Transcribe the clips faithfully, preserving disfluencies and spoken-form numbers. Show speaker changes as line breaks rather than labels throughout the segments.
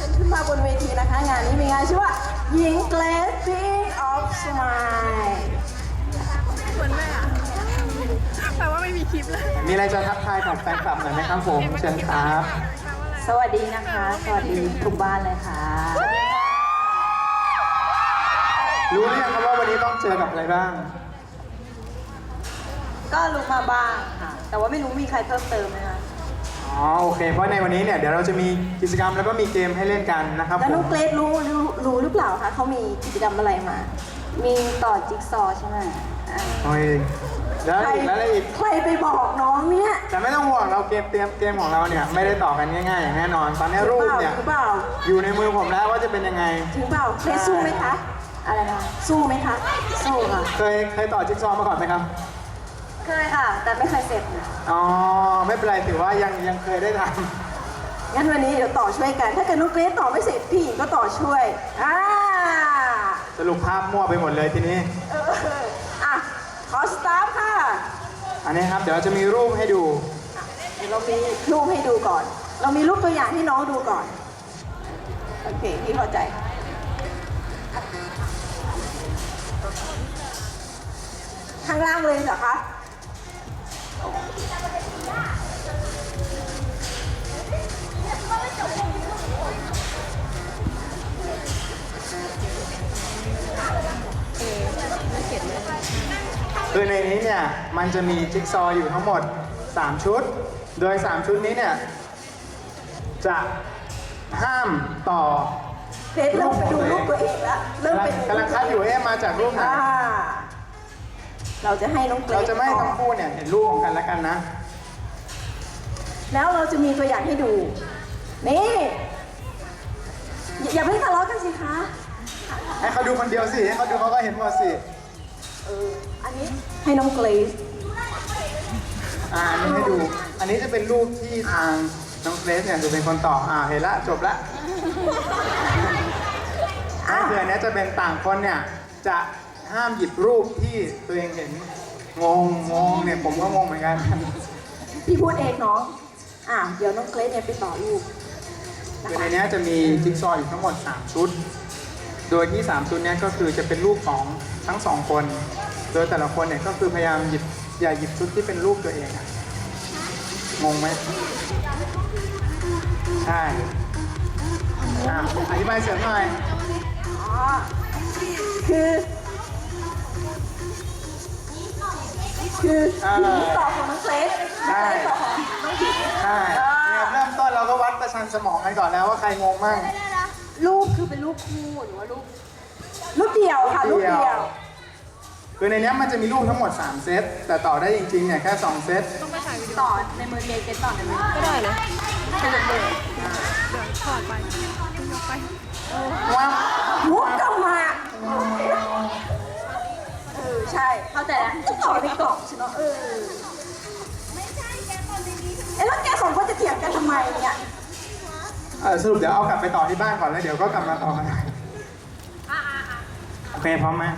ญขึ้นมาบนเวทีนะคะงานนี้มีงานชื่อว่าหญิงเกรซ King of Smile
เหมือนแม่อะแปลว่าไม่มีคลิปเลย
มีอะไรจะทักทายกับแฟนคลับหน่อยไหมครับผมเชิญครับ
สวัสดีนะคะ สวัสดีทุกบ้านเลยค่ะ
รู้หรือยังครับว่าวันนี้ต้องเจอกับอะไรบ้าง
ก็รู้มาบ้างค่ะ แต่ว่าไม่รู้มีใครเพิ่มเติมไหมคะ
อ๋อโอเคเพราะในวันนี้เนี่ยเดี๋ยวเราจะมีกิจกรรมแล้วก็มีเกมให้เล่นกันนะครับ
แล้ว
ผ
น้อ
ม
งเกรซรู้รู้รู้หรือเปล่าคะเขามีกิจกรรมอะไรมา มีต่อจิ๊กซอว์ใช่ไหมอ่า
โอ้ยแล้ว
ใคร
อีกแล้วอะไรอีก
ใครไปบอกน้องเนี่ย
แต่ไม่ต้องห่วงเราเกมเตรียมเกมของเราเนี่ยไม่ได้ต่อกันง่ายๆอย่างแน่นอนตอนนี้รูปเนี่ย
หรือเปล่า
อยู่ในมือผมแล้วว่าจะเป็นยังไง
จริงเปล่าเคยสู้ไหมคะ อะไรนะ สู้ไหมคะ สู้ค่ะ
เคยเคยต่อจิ๊กซอว์มาก่อนไหมครับ
เคยค่ะ แต่ไม่เคยเสร็จนะ
อ๋อไม่เป็นไรถือว่ายังยังเคยได้ท
งั้นวันนี้เดี๋ยวต่อช่วยกัน ถ้าเกิดน้องเกรซต่อไม่เสร็จพี่หญิงก็ต่อช่วย อ่า
ำสรุปภาพมั่วไปหมดเลยทีนี้
เอออ่ะ ขอสตาร์ทค่ะ
อันนี้ครับเดี๋ยวจะมีรูปให้ดู
เดี๋ยวเรามีรูปให้ดูก่อน เรามีรูปตัวอย่างให้น้องดูก่อน โอเค พี่เข้าใจ ข้างล่างเลยเหรอคะ
คือในนี้เนี่ยมันจะมีจิ๊กซอว์อยู่ทั้งหมดสามชุด โดยสามชุดนี้เนี่ยจะห้ามต่อ
เกรซเริ่มไปดูรูปตัวเองแล้ว เริ่มไปดู
กำลังคัดอยู่เอ๊ะมาจากรูปไหน
อ่า เราจะให้น้องเกรซ
เราจะไม่ให้
ต่อ
ทั้งคู่เนี่ยเห็นรูปของกันและกันนะ
แล้วเราจะมีตัวอย่างให้ดู นี่ อย่าอย่าเพิ่งทะเลาะกันสิคะ
ให้เขาดูคนเดียวสิให้เขาดูเขาก็เห็นหมดสิ
เออ อันนี้ให้น้องเกรซ
อ่าอันนี้ให้ดู อันนี้จะเป็นรูปที่ทางน้องเกรซเนี่ยจะเป็นคนต่ออ่าเห็นละจบละ
อ่ะ
ก็คืออันเนี้ยจะเป็นต่างคนเนี่ยจะห้ามหยิบรูปที่ตัวเองเห็นงงงงเนี่ยผมก็งงเหมือนกัน
พี่พูดเองน้อง อ่ะ เดี๋ยวน้องเกรซเนี่ยไปต่อรูปนะ
คือใน
คะ
เนี้ยจะมีจิ๊กซอว์อยู่ทั้งหมดสามชุด โดยที่สามชุดเนี้ยก็คือจะเป็นรูปของทั้งสองคน โดยแต่ละคนเนี่ยก็คือพยายามหยิบอย่าหยิบชุดที่เป็นรูปตัวเองอะงงไหมใช่อ่ะอธิบายเสริมหน่อย
อ๋อ คือ คือ
อ่า
หญิงต่อของน้องเกรซ
ใช่
น้องเกรซต่อของน้องหญิง
ใช่เนี่ยเริ่มต้นเราก็วัดประชันสมองกันก่อนแล้วว่าใครงงมั่ง
รูปคือเป็นรูปคู่หรือว่ารูป รูปเดียวค่ะ รูปเดียว
คือในเนี้ยมันจะมีรูปทั้งหมดสามเซตแต่ต่อได้จริงๆเนี่ยแค่สองเซต
ต้องไปถ่ายวิดีโอ
ต่อในมือเกรซเกรซต่อในมือ
ก็ได้นะขยับเลยเดี๋ยวถอดไปยกไป
ว้าว
มุกกลับมาเออ ใช่ เข้าใจแล้วจะต่อในกล่องใช่ไหมเออ เอ๊ะแล้วแกสองคนจะเถียงกันทำไมเนี่ย
เออสรุปเดี๋ยวเอากลับไปต่อที่บ้านก่อนแล้วเดี๋ยวก็กลับมาต่อกันใหม่โอเคพร้อมไหม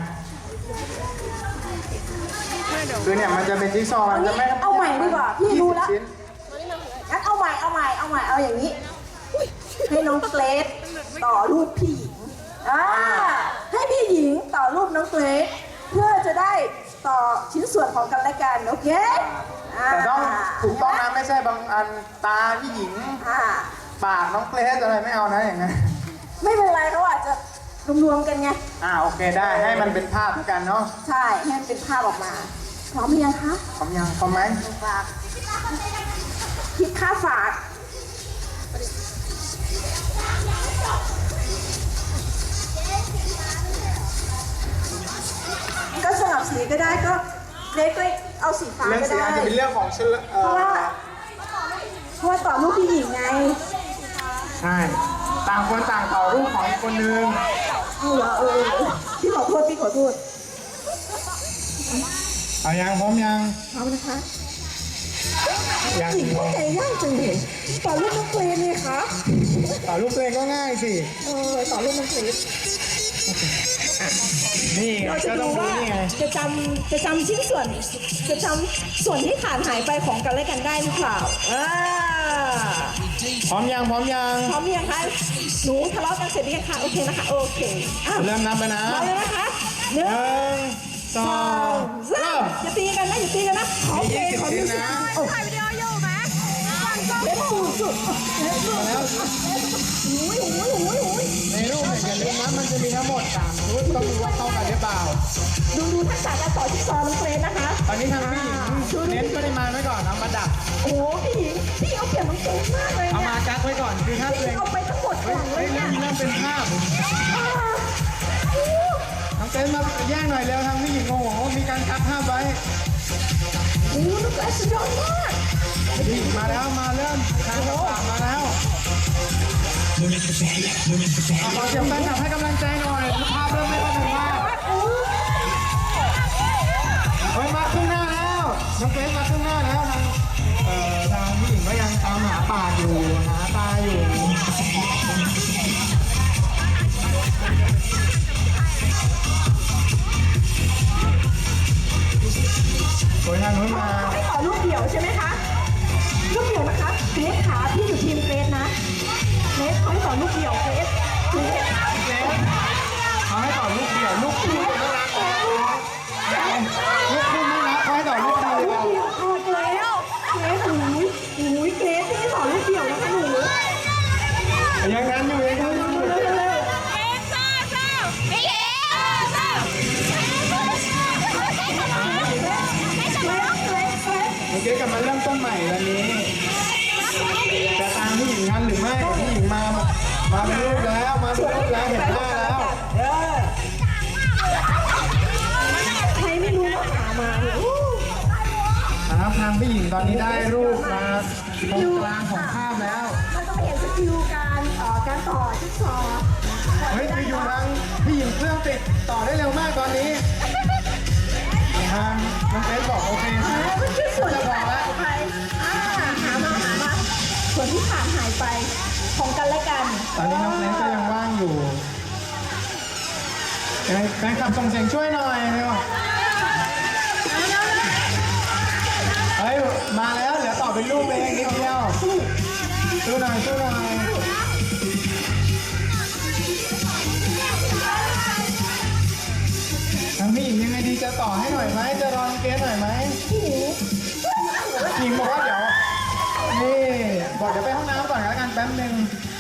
เดี๋ยว
คือเนี่ยมันจะเป็นจิ๊กซอว์มันจะไม่
เอาใหม่ดีกว่าพี่รู้แล้ว
ยี่สิบชิ้น
งั้นเอาใหม่ เอาใหม่ เอาใหม่ เอาอย่างนี้ ให้น้องเกรซต่อรูปพี่หญิง อ่า ให้พี่หญิงต่อรูปน้องเกรซเพื่อจะได้ต่อชิ้นส่วนของกันและกัน โอเคา
แต่ต้องถูกต้องนะไม่ใช่บางอันตาพี่หญิง
อ่า
ปากน้องเกรซอะไรไม่เอานะอย่างนั้น
ไม่เป็นไรเขาอาจจะรวมๆกันไง
อ่าโอเคได้ให้มันเป็นภาพด้วยกันเนาะ
ใช่ ให้มันเป็นภาพออกมา พร้อมหรือยังคะ
พร้อมยังพร้อมไหม
ฝากคิดค่าฝาก ก็สลับสีก็ได้ก็เล็กๆเอาสีฟ้า
เรื่อง
ก็
สี
ได้
อาจจะเป็นเรื่องของเชื่อเอ
เพราะ
อ
ว่าเพราะว่าต่อรูปพี่หญิงไง
ใช่ต่างคนต่างต่อรูปของอีกคนนึง
เอาเหรอเออเออพี่ขอโทษพี่ขอโทษ
เอายังพร้อมยัง
เอานะคะ
ยัง
หญิงก็ใจยากจังเลยต่อรูปน้องเกรซเลยคะ
ต่อรูปตัวเองก็ง่ายสิ
เออต่อรูปน้องเกรซ
นี่ไง
เราจะ
ก็
ดู
ต้องรู้
ว่า
นี่ไง
จะจำจะจำชิ้นส่วน จะจำส่วนที่ขาดหายไปของกันและกันได้หรือเปล่าอ่า
พร้อมยังพร้อมยัง
พร้อมหรือยังคะหนูทะเลาะกันเสร็จหรือยังคะโอเคนะคะโอเคอ้าว
เริ่มนับไปนะ
เอาเลยนะคะหนึ่
ห
ง
นึ่งส
ส
อ
อง ง
เริ่
สาม
ม
อย่าตีกันนะอย่าตีกันนะขอเพลงขอมิวสิก
นะ
โอ้
ถ่ายวิดีโออยู่ไหมฟังก็
เล็บสุดสุดเล็บสุด
แล้ว
อุ้ยอุ้ยอุ้ยอุ้ย
ในรูปเนี่ยอย่าลืมนะมันจะมีทั้งหมดสามชุดต้องดูว่าเข้ากันหรือเปล่า
ดูดูทักษะการต่อจิ๊กซอว์น้องเกรซนะคะ
ตอนนี้ทางพี่หญิงเน้นปริมาณไว้ก่อนเอามาดัก
โอ้โหพี่หญิงพี่เอาเปรียบน้องเกรซมากเลย
เอา
เนี่ย
มากักไว้ก่อนคือถ้า
พี่
ตัวเอง
เอาไปทั้งหมดก
เฮ้
ล่
ย
องเล
เฮ้
ย
ย
เนี่ย
นี่เริ่มเป็นภาพ
อ่าโอ้
น้องเต้นมาแย่งหน่อยเร็วทางพี่หญิงโอ้โหมีการกักภาพไว้
โหน้องเกรซสุดยอดมาก
พี่หญิงมาแล้วมาเริ่มทางต่างๆมาแล้วเอาขอเสียงแฟนคลับให้กำลังใจหน่อยภาพเริ่มไม่ค่อยถึงมาก
โอ้
เฮ้ยมาข้างหน้าแล้วน้องเกรซมาข้างหน้าแล้วทางเอ่อทางพี่หญิงก็ยังตามหาป่าอยู่หาตาอยู่โดยทางนู้นมา
ให้ต่อรูปเดี่ยวใช่ไหมคะรูปเดี่ยวนะคะเกรซขาพี่อยู่ทีมเกรซนะเกรซเขาให้ต่อรูปเดี่ยวเกรซเกรซ
เกรซเขาให้ต่อลูกเดี่ยวลูกคู่ไม่รักลูกคู่ไม่รักเขาให้ต่อลูกเดียว
ลูกเดี่ยวออกแล้วเกรซหูยหูยเกรซที่ต่อรูปเดี่ยวนะคะหนู
ยังงั้นอยู่ยังงั้นอยู่
เร็วเร็วเร็ว
เอ็กซ์ซ่าซ่าไม่เอ็กซ์ซ่าไม่จะมา
เกรซเกรซ
โอเคกลับมาเริ่มต้นใหม่วันนี้จะตามพี่หญิงทันหรือไม่พี่หญิงมามาเป็นรูปแล้วมาเป็นรูปแล้วเห็นหน้าแล้ว
เออใครไม่รู้ก็หามาเนี่ยอู้
นะครับทางพี่หญิงตอนนี้ได้รูปมาตรงกลางของภาพแล้ว
มันต้องเห็นสกิลการเอ่อการต่อจิ๊กซอว์
เฮ้ยคืออยู่ทางพี่หญิงเครื่องติดต่อได้เร็วมากตอนนี้ทางน้องเกรซบอกโอเค
อ่ามันคือส่วนที่ขาดหายไปอ่าหามาหามาส่วนที่ขาดหายไปของกันและกัน
ตอนนี้น้องเกรซก็ยังว่างอยู่ยังไงแฟนคลับส่งเสียงช่วยหน่อยเร็วเฮ้ยมาแล้วเดี๋ยวต่อเป็นรูปเองนิดเดียวสู้หน่อยสู้หน่อยทางพี่หญิงยังไงดีจะต่อให้หน่อยไหมจะรอน้องเกรซหน่อยไหม
พี่หญิง
หญิงบอกว่าเดี๋ยวนี่บอกเดี๋ยวไปห้องน้ำก่อนแล้วกันแป๊บนึง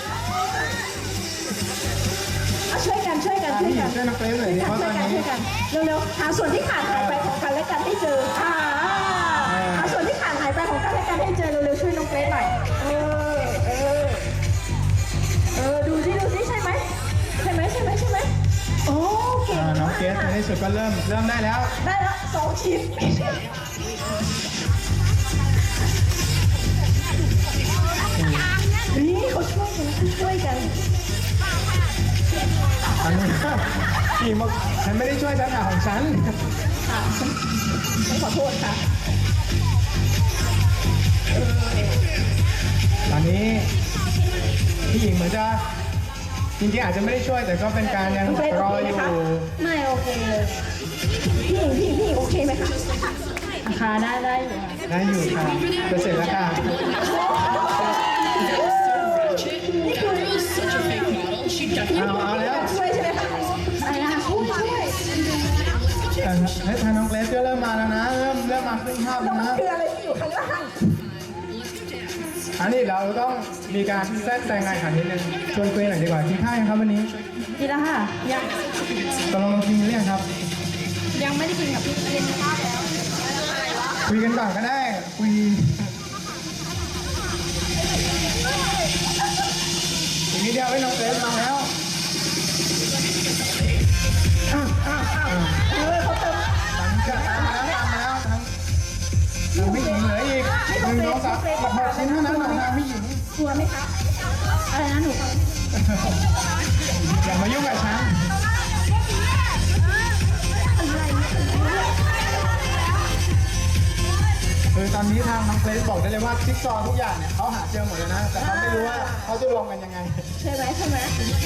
เอาช่วยกันช่วยกัน
อ่ะ
ช่วย
พี่หญิ
กั
ง
น
ช่วยน้องเกรซหน่อยดิเพราะ
ช่
ต
ว
อย น
กัน
นี้
ช่วยกันเร็วๆหาส่วนที่ขาดหายไปของกันและกันให้เจออ่าหาส่วนที่ขาดหายไปของกันและกันให้เจอเร็วๆช่วยน้องเกรซหน่อยเออเออเออดูสิดูสิใช่ไหมใช่ไหมใช่ไหมใช่ไหมโอ้เก่ง
อ่าน้อง
มาก
เกรซในที่สุดก็เริ่มเริ่มได้แล้ว
ได้ละสองชิ้นนี่เขาช่วยกันเขาช่วยกัน
อันนี้พี่หญิงบอกฉันไม่ได้ช่วยฉันอ่ะของฉัน
อ่าฉันฉันขอโทษค่ะ
ตอนนี้พี่หญิงเหมือนจะจริงๆอาจจะไม่ได้ช่วยแต่ก็เป็นการยัง
น้องเกรซ
ร
โอ
อ
เค
อ
ไหม
ยู่
คะไม่โอเคเลยพี่หญิงพี่หญิงพี่หญิงโอเคไหมคะ
ค่ะได้ได้อยู่ค่ะ
ได้อยู่ค่ะจะเสร็จแล้วค่ะ
นี่คือ
เอาเอาแล้ว
ช่วยใช่ไหมคะอะไรนะคะช่วยช่วย
แต่ให้ทางน้องเกรซก็เริ่มมาแล้วนะเริ่มเริ่มมาครึ่งภาพ
แล้
แล้ว ว
มัน
นะ
คืออะไรที่อยู่ข้างล่าง
อันนี้เราต้องมีการแทรกแซงงานขันนิดนึงชวนคุยหน่อยดีกว่ากินข้าวยังครับวันนี้
กินแล้วค่ะ ยัง
ตกลงเรากินหรือยังครับ
ยังไม่ได้กินกับพี่กินข้าวแล้ว
คุยกันก่อนก็ได้คุยอีกนิดเดียวให้น้องเกรซมาแล้วอ่ะอ่ะอ่ะ
เออเขาเติม
หลังจากตามมาแล้วตามมาแล้วทั้งทางพี่หญิงเหลืออีกหนึ่งสองสามอีกหกชิ้นเท่านั้นของทางพี่หญิง
กลัวไหมคะ
อะไรนะหนู
อย่ามายุ่งกับฉันคือตอนนี้ทางน้องเกรซบอกได้เลยว่าจิ๊กซอว์ทุกอย่างเนี่ยเขาหาเจอหมดเลยนะแต่เขาไม่รู้ว่าเขาจะรวมกันยังไง
ใช่ไหมใช่ไหม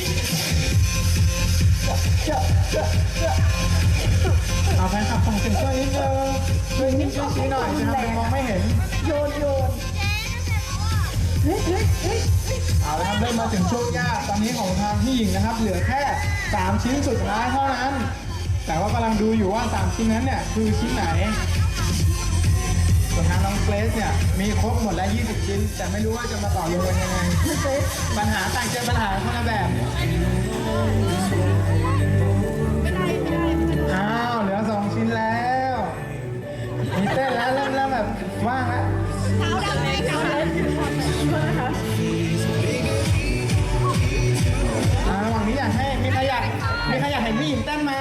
เจาะเจาะเจาะ
เอาแฟนคลับส่งเสียงช่วยนิดนึงช่วยนิดช่วยชี้หน่อยจะทำเป็นมองไม่เห็น
โยนโยนเฮ้ยเฮ้ยเฮ้ย
เอาละครับเริ่มมาถึงช่วงยากตอนนี้ของทางพี่หญิงนะครับ เหลือแค่สามชิ้นสุดท้ายเท่านั้น แต่ว่ากำลังดูอยู่ว่าสามชิ้นนั้นเนี่ยคือชิ้นไหนส่วนทางน้องเกรซเนี่ยมีครบหมดแล้วยี่สิบชิ้น แต่ไม่รู้ว่าจะมาต่อรวมกันยังไงปัญหาต่างเจอปัญหาคนละแบบอ้าวเหลือสองชิ้นแล้วมีเต้นแล้วเริ่มเริ่มแบบว่างแล้ว
เท้าดำไหมเท้าดำ
อ่าระหว่างนี้อยากให้มีใครอยากมีใครอยากเห็นพี่หญิงเต้นไหม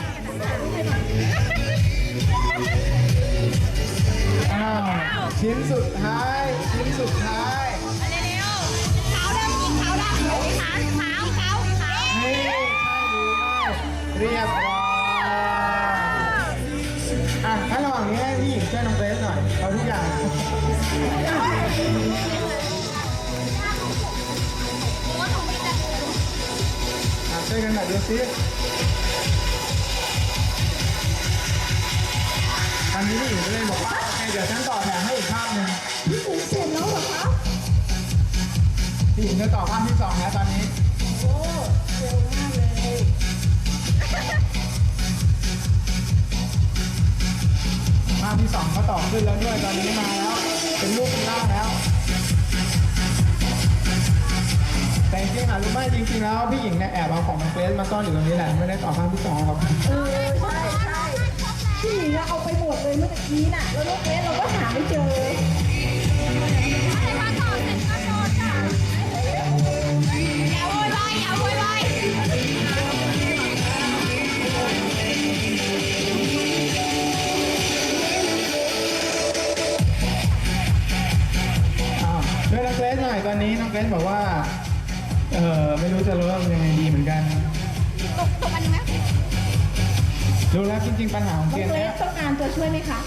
อ้าวชิ้นสุดท้ายชิ้นสุดท้าย
เร็วๆเท้าดำยิงเท้าดำขาเท้าเท้าเท้า
นี่ใช่หรือไม่เรียบร้อยอ่ะถ้าระหว่างนี้ให้พี่หญิงช่วยน้องเกรซหน่อยเอาทุกอย่างอ่ะช่วยกันหน่อยดูซิอันนี้พี่หญิงก็เลยบอกว่าโอเคเดี๋ยวฉันต่อแถมให้อีกภาพหนึ่ง
พี่หญิงเสร็จแล้วเหรอคะ
พี่หญิงจะต่อภาพที่สองแล้วตอนนี้
โอ้เร็วมากเลย
ภาพที่สองก็ต่อขึ้นแล้วด้วยตอนนี้มาแล้ว เป็นรูปเป็นร่างแล้ว แต่จริงๆอ่ะรู้ไหมจริงๆแล้วพี่หญิงเนี่ยแอบเอาของน้องเกรซมาซ่อนอยู่ตรงนี้แหละไม่ได้ต่อภาพที่สองครับ
เออใช่ใช่พี่หญิงอะเอาไปหมดเลยเมื่อกี้น่ะแล้วลูกเนี้ยเราก็หาไม่เจอเลย
มาต่อเสร็จก็โดนจ้ะอย่าโวยวายอย่าโวยวาย
อ้าวช่วยน้องเกรซหน่อยตอนนี้น้องเกรซบอกว่าเออไม่รู้จะรู้ว่ายังไงดีเหมือนกัน
ตกตกอันนี้ไหม
รู้แล้วจริงๆปัญหาของ
น้
เก
อง
ม
เกร
เนี้
ซ
ย
ต้องการตัวช่วยไหมคะ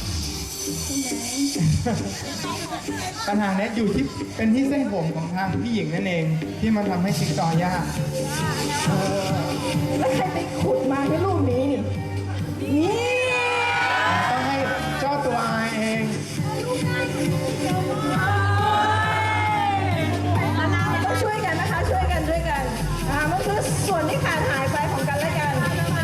ปัญหาเนี้ยอยู่ที่เป็นที่เส้นผมของทางพี่หญิงนั่นเองที่มันทำให้จิ๊กซอว์ยากเออ
แล้วใครไปขุดมาในรูปนี้นี่ นี่
ต้องให้เจ้าตัวอายเอง
ต้องช่วยกันนะคะ ช่วยกันช่วยกันอ่ามันคือส่วนที่ขาดหายไปของกันและกัน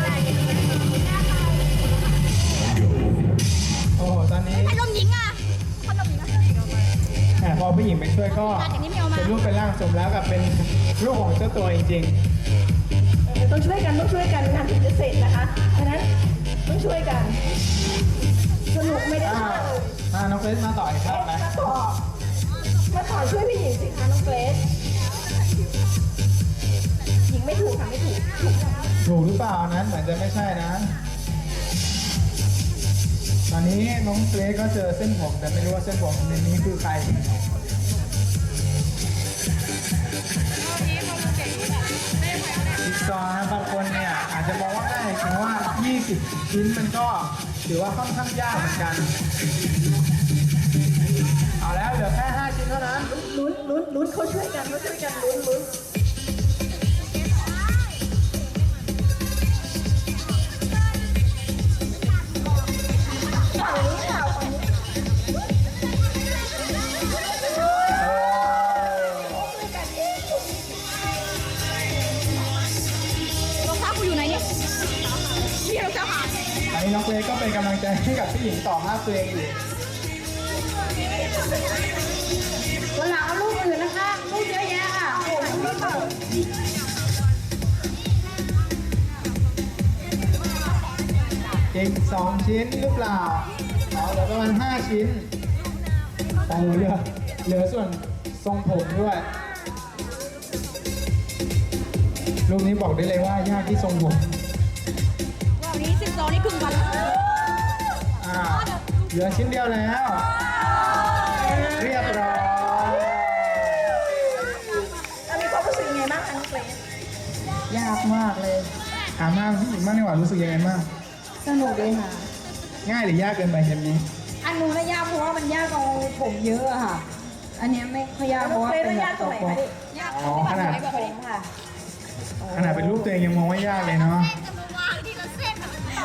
โอ้โหตอนนี้
พัดลมหญิงอ่ะพัดลมหญิงอ่ะ
แหมพอผู้หญิงไปช่วยก็
อย่างนี้ไม่เอามา
เป็นรูปเป็นร่างสมแล้วกับเป็นรูปของเจ้าตัวจริง
เออต้องช่วยกันต้องช่วยกันงานถึงจะเสร็จนะคะเพราะฉะนั้นต้องช่วยกัน สนุกไม่
ๆ
ได้
อ่า
ว่าเลย
อ่าน้องเกรซมาต่ออีกครับไหม
มาต่อมาต่อช่วยพี่หญิงสิคะน้องเกรซหญิงไม่ถูกค่ะไม่ถูกถูกค่ะ
ถูกหรือเปล่านั้นเหมือนจะไม่ใช่นะ ตอนนี้น้องเกรซก็เจอเส้นผมแต่ไม่รู้ว่าเส้นผมในนี้คือใครจิ๊กซอว์นะบางคนเนี่ยอาจจะมองว่าง่ายแต่ว่ายี่สิบชิ้นมันก็ถือว่าค่อนข้างยากเหมือนกัน เอาแล้วเหลือแค่ห้าชิ้นเท่านั้น
ลุ้นลุ้นลุ้นเขาช่วยกันเขาช่วยกันลุ้นลุ้นฝั่งนี้ค่ะฝั่งนี้
รองเท้ากูอยู่ไหนเนี่ยพี่รองเท้าหาย
อันนี้น้องเกรซก็เป็นกำลังใจให้กับพี่หญิงต่อภาพตัวเองอยู่
วันหลังเอาลูกอื่นนะคะลูกเยอะแยะค่ะโอ้โหนี่ค่ะ
อีกสองชิ้นหรือเปล่าเอาเหลือประมาณห้าชิ้นโอ้เหลือเหลือส่วนทรงผมด้วย รูปนี้บอกได้เลยว่ายากที่ทรงผม
วันนี้สิบสองนี่ครึ่งวัน
อ่าเหลือชิ้นเดียวแล้ว เรียบร้อย
แล้วมีความรู้สึกยังไงบ้างคะน้องเกรซ
ยากมากเลยถามมาพี่หญิงมากดีกว่ารู้สึกยังไงบ้าง
สนุกเลยค่ะ
ง่ายหรือยากเกินไปเกมนี้
อันนู้นน่ะยากเพราะว่ามันยากตรงผมเยอะอะค่ะ อันเนี้ยไม่ค่อยยากเพ
น้อง
ราะว่า
เกรซ
เป็น
แล้ว
แบ
ยาก
บ
ตรงไหน
ตัว
คะนี่
ยาก
อ๋อขนาด
ผมค่ะ
ขนาดเป็นรูปตัวเองยังมองว่ายากเลยเนาะ
จะมาวางทีละเส้นต่อ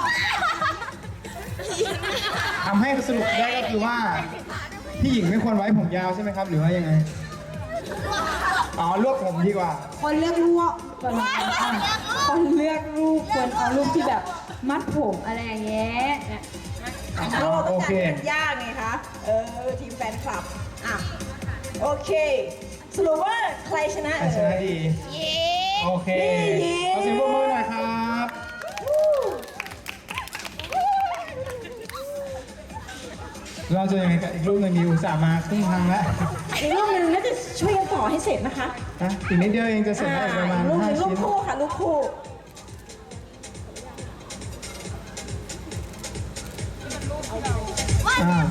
ทำให้สรุปได้ก็คือว่าพี่หญิงไม่ควรไว้ผมยาวใช่ไหมครับ หรือว่ายังไงอ๋อลวกผมดีกว่า
คนเลือกรูปคนคนเลือกรูปควรเอารูปที่แบบมัดผมอะไรอย่างเงี้ยเนี่ย
อ๋
เรา
อ
ต้
โอ
อง
เค
การเป็นยากไงคะ เออ ทีมแฟนคลับ อ่ะ โอเค สรุปว่าใครชนะ
ใครชนะดี
เย้
โอเค
นี่
ขอเสียงปรบมือหน่อยครับ เราจะยังไงกับอีกรูปหนึ่งดีอุตส่าห์มาครึ่งทางแล้ว
อีกรูปหนึ่งน่าจะช่วยกันต่อให้เสร็จนะคะ
นะอีกนิดเดียวเองจะเสร็จแล้วอีกประมาณ
รูปห
ห้า
นึ่งรูป
ชิ้น
คู่ค่ะรูปคู่
อ่า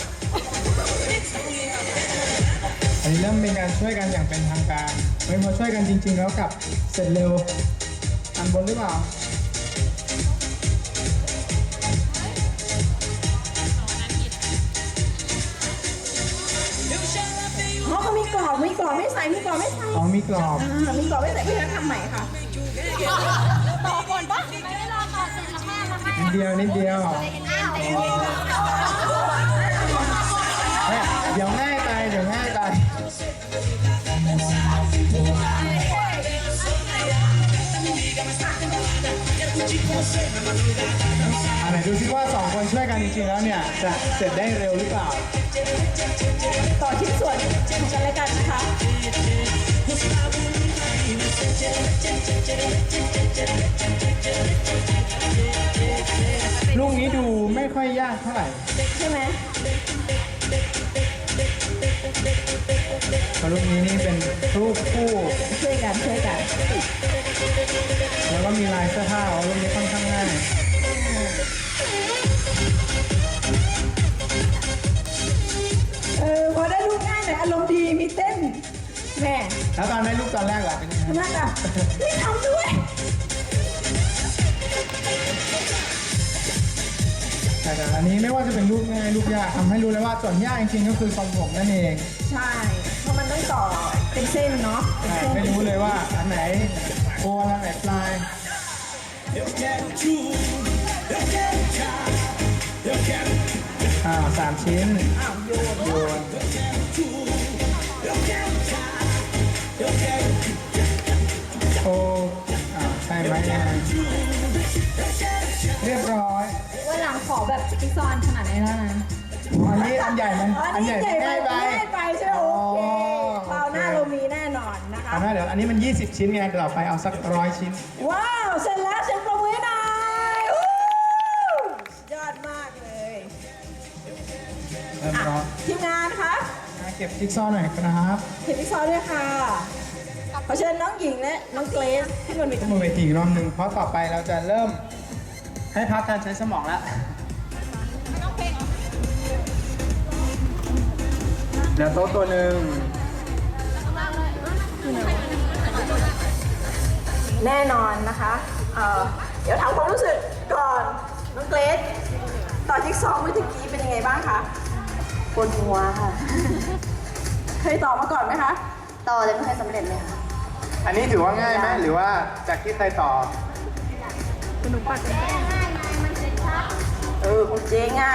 อันนี้เริ่มเป็นการช่วยกันอย่างเป็นทางการไม่พอช่วยกันจริง ๆ แล้วกลับเสร็จเร็วอันบนหรือเปล่า
อ๋อเขามีกรอบ มีกรอบไม่ใส่ มีกรอบไม่ใส่
อ๋อมีกรอบ
อ่ามีกรอบไม่ใส่พี่นัททำใหม่ค่ะ
ต่อก่อนปะไม่ได้รอต่อเสร็จแล้วแม่มาให้
นิดเดียวนิดเดียว
อ้าว
เฮ้ยเดี๋ยวง่ายไปเดี๋ยวง่ายไปอันไหนดูซิว่าสองคนช่วยกันจริงๆแล้วเนี่ยจะเสร็จได้เร็วหรือเปล่า
ต่อชิ้นส่วนของกันและกันนะคะ
ลูกนี้ดูไม่ค่อยยากเท่าไหร่
ใช่ไหม
เพราะลูกนี้นี่เป็นรูปคู่
ช่วยกันช่วยกัน
แล้วก็มีลายเสื้อผ้าอ๋อลูกนี้ค่อนข้างง่าย
เออพอได้รูปง่ายหน่อยอารมณ์ดีมีเต้นแหม่
แล้วตอนได้รูปตอนแรกล่ะเป็นยังไง
ทำไมอ่ะไม่ทำด้วย
แต่อันนี้ไม่ว่าจะเป็นรูปง่ายรูปยากทำให้รู้เลยว่าส่วนยากจริงๆก็คือทรงผมนั่นเอง
ใช่ เพราะมันต้องต่อเป็นเส้นเนาะเป็น
ใช่
เส้น
ไม่รู้เลยว่าอันไหนโคนอันไหนปลายอ่าสามชิ้น
อ้าวโยน
โยนโอ้อ่าใช่ไหมยังไงเรียบร้อย
วันหลังขอแบบจิ๊กซอว์ขนาดนี้แล้วนะ
อ๋ออันนี้อันใหญ่มัน
อั
อั
น
น
นี้
ใหญ่
ใหญ่
มัน
ไป
ง่ายไป
ง่ายไปใช่ไหมโอเค
อ๋อ
คราวหน้า
โอเค
เรามีแน่นอนนะคะ
เอาหน้าเดี๋ยวอันนี้มันยี่สิบชิ้นไงต่อไปเอาสักร้อยชิ้น
ว้าว เสร็จแล้วเสียงปรบมือให้หน่อยวู้สุดยอดมากเลย
เริ่ม
อ่ะ
ร้อน
ทีมงานคะ
เก็บจิ๊กซอว์หน่อยครับ
เห็นพี่ซอด้วยค่ะ ขอเชิญน้องหญิงและน้องเกรซขึ้นบนเว
ขึ้น
ที
บนเวทีอีกรอบหนึ่งเพราะต่อไปเราจะเริ่มให้พักการใช้สมองแล้วเดี๋ยวโต๊ะตัวหนึ่ง
แน่นอนนะคะเอ่อเดี๋ยวถามความรู้สึกก่อน น้องเกรซต่อจิ๊กซอว์เมื่อตะกี้เป็นยังไงบ้างคะปวดหัวค่ะ เคยต่อมาก่อนไหมคะ ต่อแต่ไม่เคยสำเร็จเลยค่ะ
อันนี้ถือว่าง่ายไหมหรือว่าจากที่เคยต่อ
เออคุณเจ๊ง่าย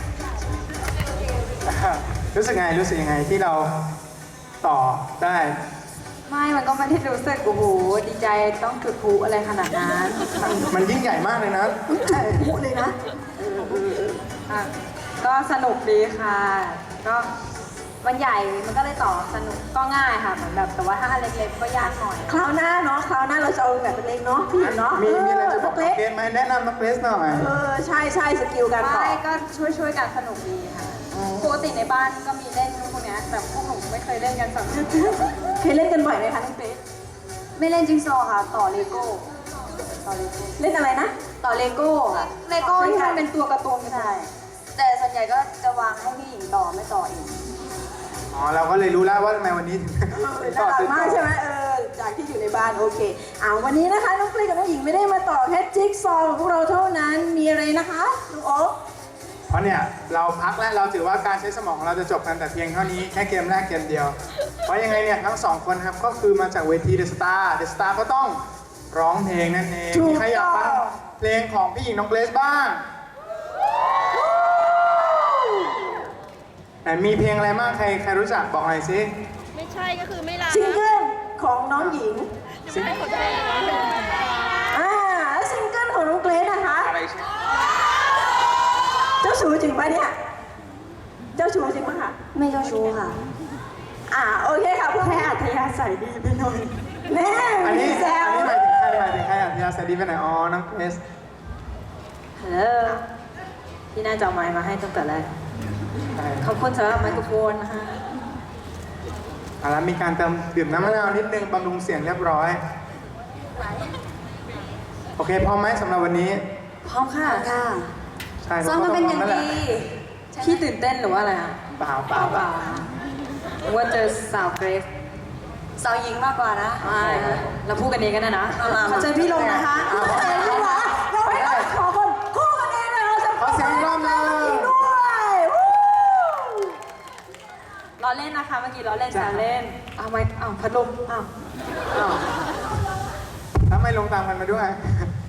รู้สึกไงรู้สึกยังไงที่เราต่อได้
ไม่ มันก็ไม่ได้รู้สึกโอ้โห ดีใจต้องจุดพลุอะไรขนาดนั้น
มันยิ่งใหญ่มากเลยนะ
ใช่พูดเลยนะ
อ่ะก็สนุกดีค่ะ ก็มันใหญ่ มันก็เลยต่อสนุก ก็ง่ายค่ะ เหมือนแบบ แต่ว่าถ้าอันเล็กๆ ก็ยากหน่อย
คราวหน้าเนาะ คราวหน้าเราจะเอาแบบเล็กๆเนาะพี่หญิงเนาะ
มีมีอะไรจะบอก
เล็
น้อง
ก
เกรซไหมแนะนำน้องเกรซหน่อย
เออ ใช่ใช่สกิลการต่อ
ไม่ ก็ช่วยๆกันสนุกดีค่ะ ปกติในบ้านก็มีเล่นพวกเนี้ยแต่พวกหนูไม่เคยเล่นกันแบบ
เคยเล่นกันบ่อยไหมคะน้องเกรซ
ไม่เล่นจิ๊กซอว์ค่ะ ต่อเลโก้ ต่อเลโก้
เล่นอะไรนะ
ต่อเลโก้ค่ะเลโก้ที่มันเป็นตัวการ์ตูนใช่แต่ส่วนใหญ่ก็จะวางให้พี่หญิงต่อไม่ต่อเอง
อ๋อ เราก็เลยรู้แล้วว่าทำไมวันนี้ถึง ถึง
น่า
ต่อ
รัก
ติด
มาก
ต่อ
ใช่ไหมเออ จากที่อยู่ในบ้านโอเคอ่าวันนี้นะคะน้องเกรซกับน้องหญิงไม่ได้มาต่อแค่จิ๊กซอว์ของพวกเราเท่านั้น มีอะไรนะคะน้องโอ๊ค
เพราะเนี่ยเราพักแล้วเราถือว่าการใช้สมองของเราจะจบกันแต่เพียงเท่านี้แค่เกมแรกเกมเดียว เพราะยังไงเนี่ยทั้งสองคนครับก็คือมาจากเวทีเดอะสตาร์เดอะสตาร์ก็ต้องร้องเพลงนั่นเอง
ถูก
มีใครอยากฟัง
ต้อง
เพลงของพี่หญิงน้องเกรซบ้างไหนมีเพลงอะไรบ้างใครใครรู้จักบอกหน่อยสิ
ไม่ใช่ก็คือไม่ลา
ซิงเกิลของน้องหญิง
ไม่ให้คนแรก
อ่าแล้วซิงเกิลของน้องเกรซนะคะ
อะไรใช่
เจ้าชู้จริงปะเนี่ย เจ้าชู้จริงปะคะ
ไม่เจ้าชู้ค่ะ
อ่าโอเคค่ะเพื่อให้อัธยาศัยดีไปหน่อยแน่
อันนี้
มีแซ
อั
วน
นี้หมายถึงใครหมายถึงใครอ่ะพี่อาสดีไปไหนอ๋อน้องเกรซ
ฮัลโหลพี่น่าจะเอาไมค์มาให้ตั้งแต่แรก
ใช่
ขอบคุณสำหรับไมโครโฟนนะคะ
เอาละมีการเติมดื่มน้ำมะนาวนิดนึงบำรุงเสียงเรียบร้อย โอเคพร้อมไหมสำหรับวันนี้
พร้อมค่ะ ค่ะ
ใช่
ซ้อมมาเป็นอย่าง
พร้มแล้วแห
ดี
ละ
พี่ตื่นเต้นหรือว่าอะไรคะ
เปล่าเปล่าเปล่า
นึกว่าเจอสาวเกรซสาวหญิงมากกว่านะไม่เราพูดกันเองกันนะนะขอเชิญพี่ลงนะคะ
คู่กันเองดีกว่าเราให้ขอคนคู่กันเองเลยเราจะ
ขอเสียงอีกรอบหนึง
ด้วยวู้
ล้อเล่นนะคะเมื่อกี้ล้อเล่นแซวเล่น เอาไมค์เอาพัดลมเอาเอา
ถ้าไม่ลงตามกันมาด้วย